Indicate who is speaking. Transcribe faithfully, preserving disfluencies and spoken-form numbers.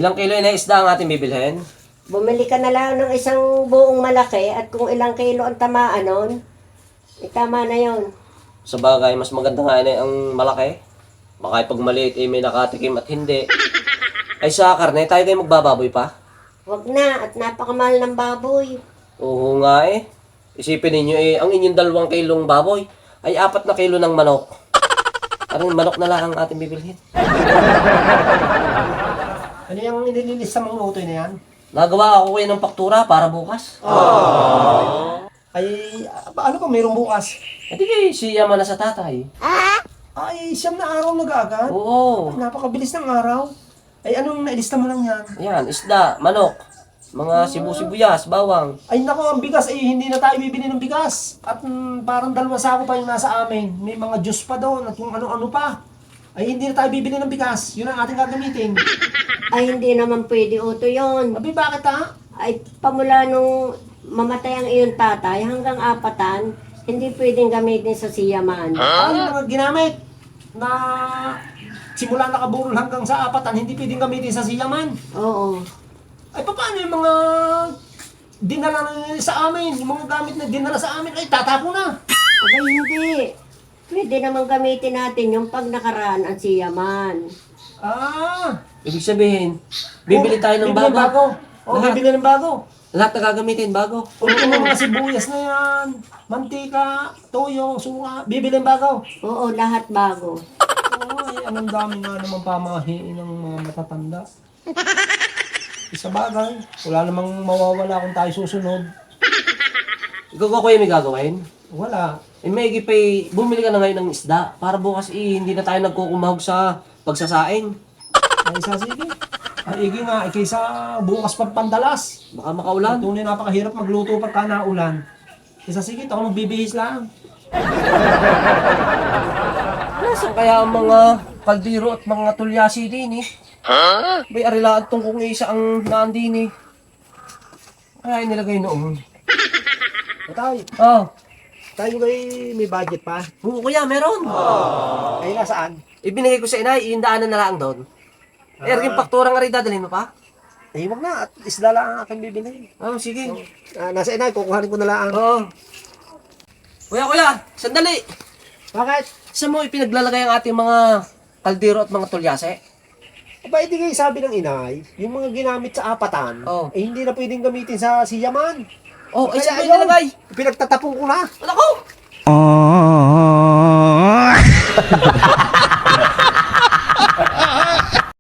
Speaker 1: Ilang kilo na isda ang ating bibilhin?
Speaker 2: Bumili ka na lang ng isang buong malaki at kung ilang kilo ang tamaan nun, eh, tama na yon.
Speaker 1: Sa bagay, mas maganda nga na ang malaki. Baka pag maliit eh, may nakatikim at hindi. Ay sa karne, tayo kayo magbababoy pa?
Speaker 2: Wag na, at napakamahal ng baboy.
Speaker 1: Oo nga eh. Isipin ninyo eh, ang inyong dalawang kilong baboy ay apat na kilo ng manok. Parang manok na lang ang ating bibilhin.
Speaker 3: Ano yung inililis sa mga utoy na yan?
Speaker 1: Nagawa ako kayo ng paktura para bukas.
Speaker 3: Ay, ano pa mayroong bukas?
Speaker 1: E di kayo siya man na sa tatay.
Speaker 3: Ay, siyam na araw nag-agad.
Speaker 1: Oo.
Speaker 3: Napakabilis ng araw. Ay, anong nailista mo lang yan?
Speaker 1: Ayan, isda, manok, mga sibu-sibuyas, bawang.
Speaker 3: Ay, naku, ang bigas. Eh, hindi na tayo bibili ng bigas. At mm, parang dalawang sako pa yung nasa amin. May mga juice pa doon at kung ano-ano pa. Ay, hindi na tayo bibili ng bigas. Yun ang ating gagamitin.
Speaker 2: Ay, hindi naman pwede uto yon.
Speaker 3: Abi, bakit ha?
Speaker 2: Ay, pamula nung mamatay ang iyong tatay hanggang apatan, hindi pwedeng gamitin sa siyaman.
Speaker 3: Ano yung mga ginamit na simula nakaburol hanggang sa apatan, hindi pwedeng gamitin sa siyaman.
Speaker 2: Oo.
Speaker 3: Ay, paano yung mga dinala na sa amin? Yung mga gamit na dinala sa amin, ay tatapo na.
Speaker 2: Abay, hindi. Pwede naman gamitin natin yung pag nakaraan ang siyaman.
Speaker 3: Ah,
Speaker 1: Ibig sabihin, bibili tayo ng
Speaker 3: bibili
Speaker 1: bago.
Speaker 3: O,
Speaker 1: Lahat.
Speaker 3: bibili ng bago.
Speaker 1: Lahat na gagamitin bago.
Speaker 3: O, yung mga sibuyas na yan, mantika, toyo, suka, bibili ng bago.
Speaker 2: Oo, lahat bago.
Speaker 3: Ay, anong dami nga naman pamahiin ng mga matatanda. Isa bagay, wala namang mawawala kung tayo susunod.
Speaker 1: Ikaw ko kuya may gagawin?
Speaker 3: Wala.
Speaker 1: Eh may igipay, bumili ka na ngayon ng isda para bukas eh, hindi na tayo nagkukumahog sa pagsasaing.
Speaker 3: Ay, isa sige. Ay, igi nga, eh, kaysa bukas pag pandalas.
Speaker 1: Baka makaulan.
Speaker 3: Tunay napakahirap magluto pagka naulan. Isa sige, ako magbibihis lang.
Speaker 1: Nasaan kaya ang mga kaldiro at mga tulyasi din eh? Ha? May arilaan tong kung isa ang naandin eh. Kaya inilagay noon.
Speaker 3: Tay,
Speaker 1: Oh,
Speaker 3: tayo kay may budget pa.
Speaker 1: oo kuya, meron.
Speaker 3: Ay, nasaan?
Speaker 1: Ibinigay ko sa inay, iindaanan na lang doon. Eh, yung paktura nga rin dadalhin mo pa?
Speaker 3: Ay, wag na. At isda lang ang aking bibili.
Speaker 1: Oh, sige.
Speaker 3: Ah, nasa inay, kukuhanin ko na lang.
Speaker 1: Oo. Kuya, kuya, sandali.
Speaker 3: Bakit?
Speaker 1: Saan mo ipinaglalagay ang ating mga kaldero at mga tulyase?
Speaker 3: Aba, hindi kayo sabi ng inay, yung mga ginamit sa apatan,
Speaker 1: Oh.
Speaker 3: eh hindi na pwedeng gamitin sa siyaman.
Speaker 1: Oh, ay
Speaker 3: Kaya
Speaker 1: saan mo
Speaker 3: ayun,
Speaker 1: ilalagay?
Speaker 3: Pinagtatapong ko na.
Speaker 1: Ano ko?